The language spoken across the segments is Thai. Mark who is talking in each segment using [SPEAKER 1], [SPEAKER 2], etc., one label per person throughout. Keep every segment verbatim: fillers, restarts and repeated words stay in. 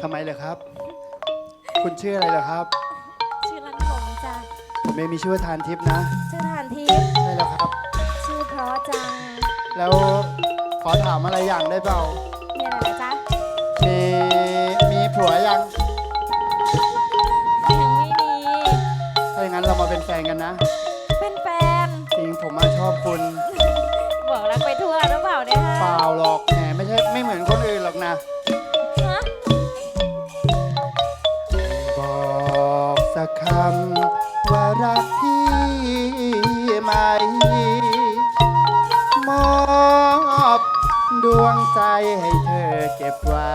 [SPEAKER 1] ทำไมเลยครับคุณชื่ออะไรเหรอครับ
[SPEAKER 2] ชื่อลันหลงจ้ะ
[SPEAKER 1] ผมเองมีชื่อว่าทานทิพย์นะ
[SPEAKER 2] ชื่อทานทิพย์
[SPEAKER 1] ใช่แล้วครับ
[SPEAKER 2] ชื่อเพราะจัง
[SPEAKER 1] แล้วขอถามอะไรอย่างได้เปล่า
[SPEAKER 2] มีอะไรจ๊ะ
[SPEAKER 1] มีมีผัวยัง
[SPEAKER 2] ยังไม่มี
[SPEAKER 1] ถ้าอย่างนั้นเรามาเป็นแฟนกันนะ
[SPEAKER 2] เป็นแฟน
[SPEAKER 1] จริงผมมาชอบคุณ
[SPEAKER 2] บอกรักไปทั่วหรือเปล่าเนี่ย
[SPEAKER 1] เปล่าหรอกแหมไม่ใช่ไม่เหมือนคนอื่นหรอกนะ
[SPEAKER 2] ฮะ
[SPEAKER 1] บอกสักคำว่ารักพี่ไหมมอบดวงใจให้เธอเก็บไว้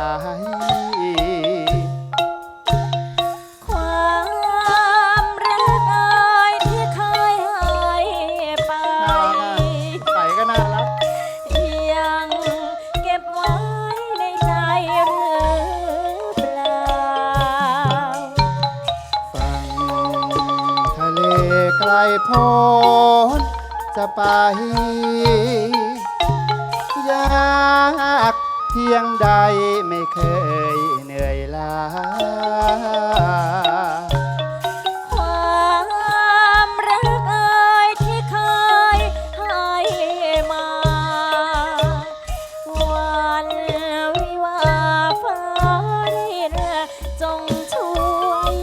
[SPEAKER 2] ความรักเอ่ยที่เคยให้ไป
[SPEAKER 1] ใส่ก็น่ารัก
[SPEAKER 2] ยังเก็บไว้ในใจหรือเปล่า
[SPEAKER 1] ฝั่งทะเลไกลโพ้นจะไปยากเพียงใดไม่เคยเหนื่อยล้า
[SPEAKER 2] ความรักเอ่ยที่เคยให้มาวันวิวาฟ้าดินจงช่วย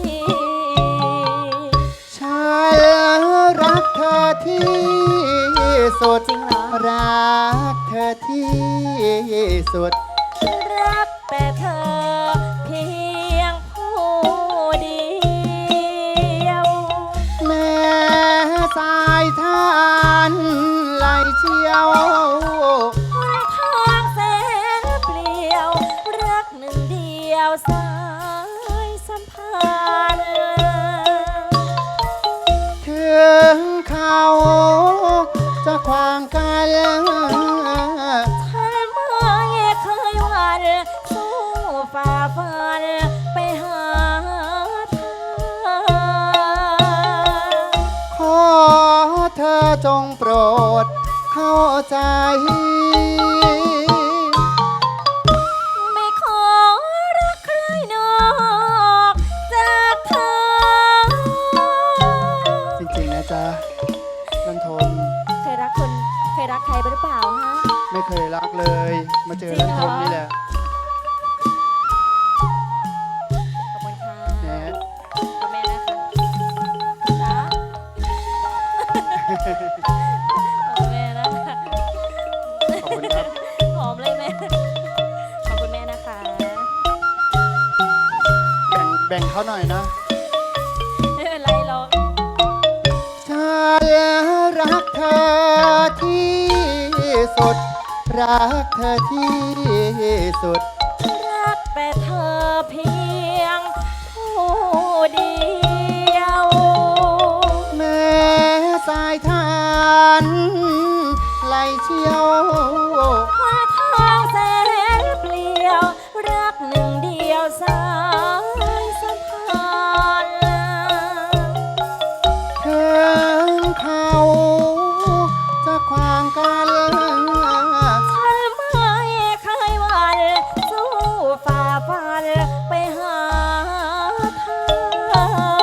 [SPEAKER 1] ฉันรักเธอที่สุด
[SPEAKER 2] จริงเหรอ
[SPEAKER 1] รักเธอที่สุด
[SPEAKER 2] รักแต่เธอเพียงผู้เดียว
[SPEAKER 1] แม้สายทานไหลเชี่ยว
[SPEAKER 2] หนทางแสนเปลี่ยวรักหนึ่งเดียวสายสัมพันธ์
[SPEAKER 1] ถึงเขาจะขวางกัน
[SPEAKER 2] ฉันไม่เคยหวั่นสู้ฝ่าฟันไปหาเธอ
[SPEAKER 1] ขอเธอจงโปรดเข้าใจ
[SPEAKER 2] ไม่ขอรักใครนอกจากเธอ
[SPEAKER 1] จริงๆนะจ๊ะนันทน
[SPEAKER 2] เคยรักคนเคยรักใครหรือเปล่าฮะ
[SPEAKER 1] ไม่เคยรักเลยมาเจอนันทนนี่แหละ
[SPEAKER 2] ขอบคุณค่ะ
[SPEAKER 1] แหม
[SPEAKER 2] คุณแม่นะคะจ้าขอบคุณแม่นะคะ
[SPEAKER 1] ขอบคุณครับ
[SPEAKER 2] หอมเลยแม่ขอบคุณแม่นะคะ
[SPEAKER 1] แบ่งแบ่งเขาหน่อยนะ
[SPEAKER 2] ไม่เป็นไรหรอก
[SPEAKER 1] ฉันรักเธอที่สุดรักเธอที่สุด
[SPEAKER 2] รักแต่เธอเพียงผู้เดียว
[SPEAKER 1] แม้สายทานไหลเชี่ยว
[SPEAKER 2] หาทางแสนเปลี่ยวรักหนึ่งเดียวสายสัมพันธ์
[SPEAKER 1] ถึงเขาจะขวางกัน
[SPEAKER 2] ฉันไม่เคยหวั่นสู้ฝ่าฟันไปหาเธอ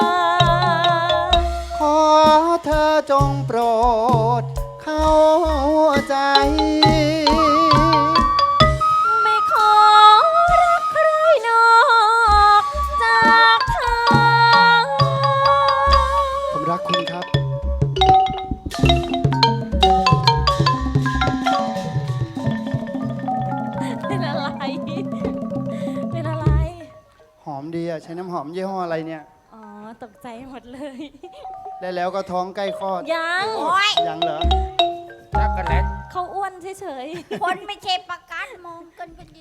[SPEAKER 1] ขอเธอจงโปรดเข้าใจ
[SPEAKER 2] ไม่ขอรักใครนอกจากเธอ
[SPEAKER 1] ผมรักคุณครับ
[SPEAKER 2] เป็นอะไรเป็นอะไร
[SPEAKER 1] หอมดีอะใช้น้ำหอมยี่ห้ออะไรเนี่ย
[SPEAKER 2] อ๋อตกใจหมดเลย
[SPEAKER 1] ได้แล้วก็ท้องใกล้คลอด
[SPEAKER 2] ยัง
[SPEAKER 1] ยังเหรอ
[SPEAKER 3] รักกันแล้ว
[SPEAKER 2] เขาอ้วนเฉย
[SPEAKER 4] คนไม่ใช่ประกันมองกันเป็น